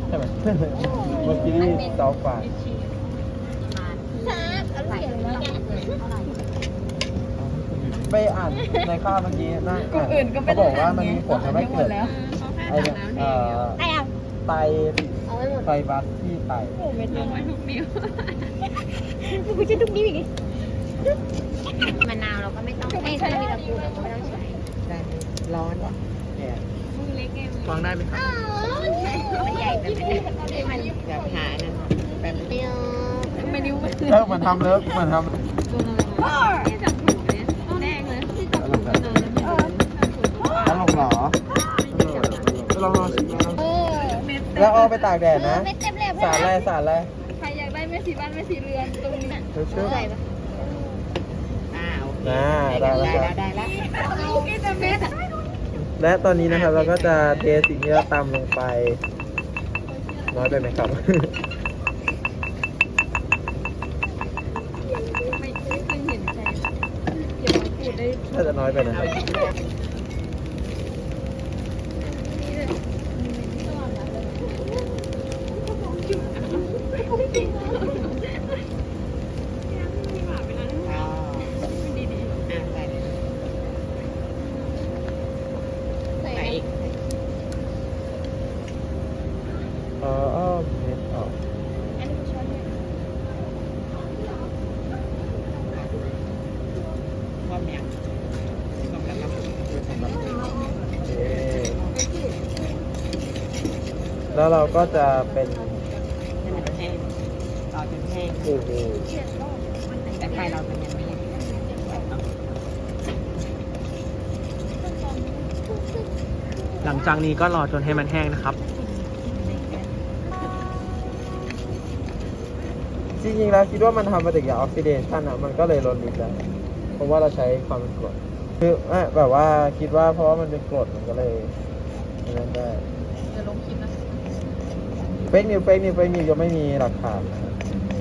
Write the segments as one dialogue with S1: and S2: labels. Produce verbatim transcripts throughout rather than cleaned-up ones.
S1: ใช่ไหมเมื่อกี้นี่เตาไฟไปอ่านในข้าวเมื่อกี้นะเขาบอกว่ามันมีผลทำให้เกิดไอเนี่ยเอ่อไตไฟบัสที่ไต
S2: โอ้ไม่ต้องไว้ทุกนิ้วกูจะทุกนิ้วอีกมะนาวเราก็ไม่ต้องไม่ใช่มีกระปุกเราก็ไม่ต้องใช้ได้ร้อนว่ะแก่มือเล็กไงวางได้ไหมครับมันใหญ่แต่ไม่ได้มันแบบหานั่นแบบเดียวไม่นิ้ว
S1: เออมันทำเลิกมันทำ
S2: ที่จับถูกเนี่ยแดงเลย
S1: ตลกแบบตลกเหรอลองลองชิมลองแล้วเอาไปตากแดดนะสารอะไรสารอะไร
S2: ใครอยากได้แม่สีบ้านแม่สีเรือนตรงนี้น่ะใส่ปะอ้าว
S1: น่าได้แล้ว
S2: ได้แล้วกินแต่เม็ด
S1: และตอนนี้นะครับเราก็จะเทสิ่งที่เราตำลงไปน้อยไปไหมครับ
S2: ไม่เคยเห็นใครเกี่ยวกับพูดได้
S1: น่าจะน้อยไปนะครับอ๋อเม็ดออกแล้วเราก็จะเป็น
S2: ให้มันแห้งรอจนแห้ง
S1: โอ้โห
S2: แต่ไฟเราเป็นยังไม่แห้ง
S3: หลังจากนี้ก็รอจนให้มันแห้งนะครับ
S1: จริงๆแล้วคิดว่ามันทำปฏิกิริยาออกซิเดชันอ่ะมันก็เลยลดลิตรแล้วเพราะว่าเราใช้ความเป็นกรดคือแบบว่าคิดว่าเพราะว่ามันเป็นกรดมันก็เลยนั่นได้
S2: จะลงคลิปนะ
S1: เฟกนิวเฟกนิวเฟกนิวยังไม่มีหลักฐานนะ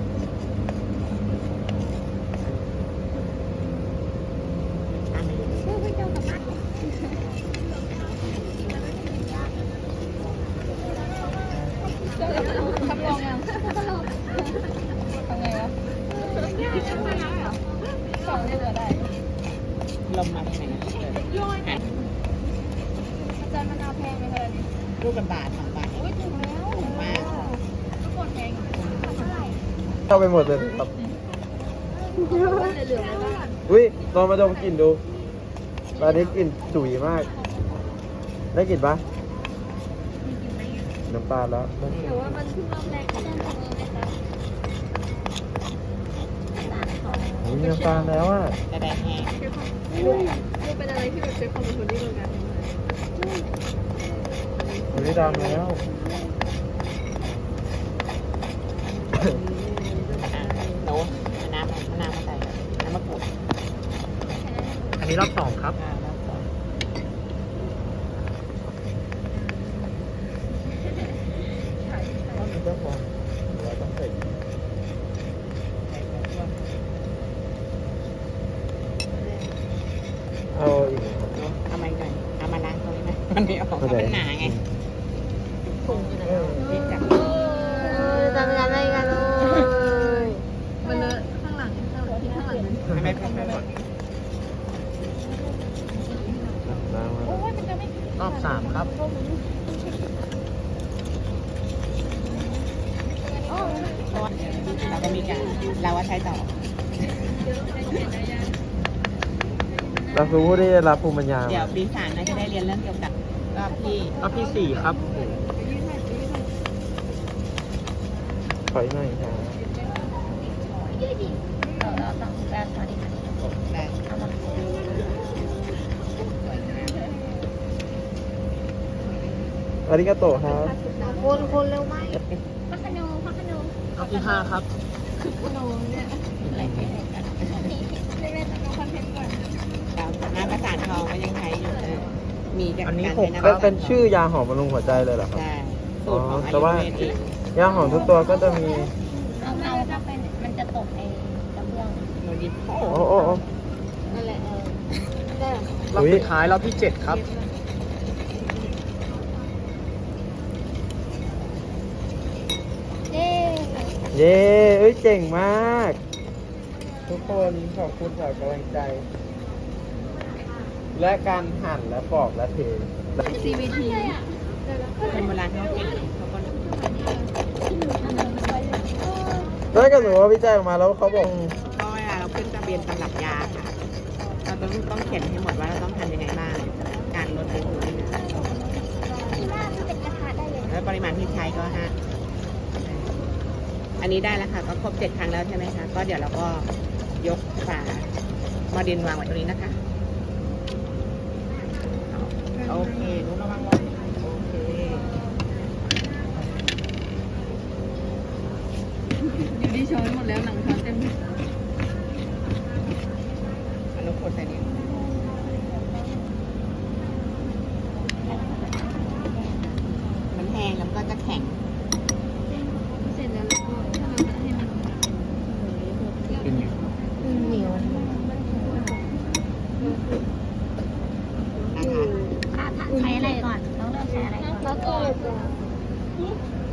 S2: ทำลองยังทำไงวะสองเลยเหลือได้ลมมาที่ไหนนะอาจารย์มะนาวแพงไหมคะนี่ลูกละบาทสองบาทโอ้ยถูกแล้วถูกมากทุกคนแพงเท่าไหร่
S1: เข้าไปหมดเลยครับ
S2: เหลือๆบ้าง
S1: อุ้ยลองมาดมกลิ่นดูตอนนี้กลิ่นฉุยมากได้กลิ่นปะน้ำตาลแล้ว
S2: แต่ว่ามันเพิ่งเริ่มแรกค่ะ
S1: มีน้ำตาลแล้วอ่ะ
S2: จะได้แห้งลูกลูกเป็นอะไรที่แบบใช้ความอดทนที่โรงงาน
S1: อุ้ยดำแล้ว
S2: หนูน้ำน้ำมาใส่น้ำมะกรูด
S3: อันนี้รอบสองครับ
S1: เอาอีก
S2: เอามาหน่อยเอามาล้างตรงนี้ไหมมันไม่ออกมันหนาไงพุงอยู่ไหนที่จับทำงานอะไรกันเลยมันเลอะข้างหลังข้างหลังที่ข้างหลังนั้นไม่ไม่ไม่หมด
S3: รอบสามครับ
S2: เราก็มีการเราว่าใช้ต่อ
S1: เราคือผู้ได้รับภูมิปัญญา
S2: เดี๋ยวปีสามน่าจะได้เรียนเรื่องเกี่ยวกับรอบที่
S3: รอบที่สี่ครับ
S1: ถอยหน่อยครับ
S2: เราต้องแปลตอนนี้ได้
S1: อาริกาโตะครับ
S2: คนคนเร็วไหมพักขนมพักขนม
S3: รอบที่ห้าครับ
S2: ขนมเนี่ยอะไรเนี่ยเล่นๆต้องคอนเทนต์ก่อนน้ำประสานทองก็ยังใช้อยู่มีจากการใช้น้ำ
S1: เป็นชื่อยาหอมบำรุงหัวใจเลยเหรอครับ
S2: ใช่สูตรของ
S1: แต่ว่า ยาหอมทุกตัวก็จะมี
S2: เอาเอาถ้าเป็นมันจะตกไอ้กระเบื้องโนดิโอ้
S1: โอ้โอ้โอ้
S2: นั่นแหละเออได้
S3: รอบสุดท้ายรอบที่เจ็ดครับ
S1: เย้เอ้ยเก่งมาก ทุกคนขอบคุณสำหรับกำลังใจ และการหั่นและปอกและเท
S2: ซีวีที
S4: คนโบราณเขาเก่งเขาก็
S1: ถ้าเกิดสมมติว่าวิจัยออกมาแล้วเขาบอก
S4: ก็เวลาเราขึ้นทะเบียนตำรับยาค่ะ เราต้องต้องเขียนให้หมดว่าเราต้องทำยังไงบ้าง การลดอายุนี่นะแล้วปริมาณที่ใช้ก็ฮะอันนี้ได้แล้วค่ะ ก็ครบเจ็ดครั้งแล้วใช่ไหมคะ ก็เดี๋ยวเราก็ยกฝาหมอดินวางไว้ตรงนี้นะคะ โอเครู้ระวังรถโอเค
S2: อยู่ที่ช้อนหมดแล้วหนังช้อนเต็ม
S4: อันนี้กดใส่นี้มันแห้งแล้วก็จะแข็ง
S2: เสร็จแล้วเราก็ถ้าเราจะให้มัน
S3: เป็นไง
S2: เหนียว
S4: นะคะ
S2: ใช้อะไรก่อนต้องเลือกใช้อะไรก่อนแล้วก็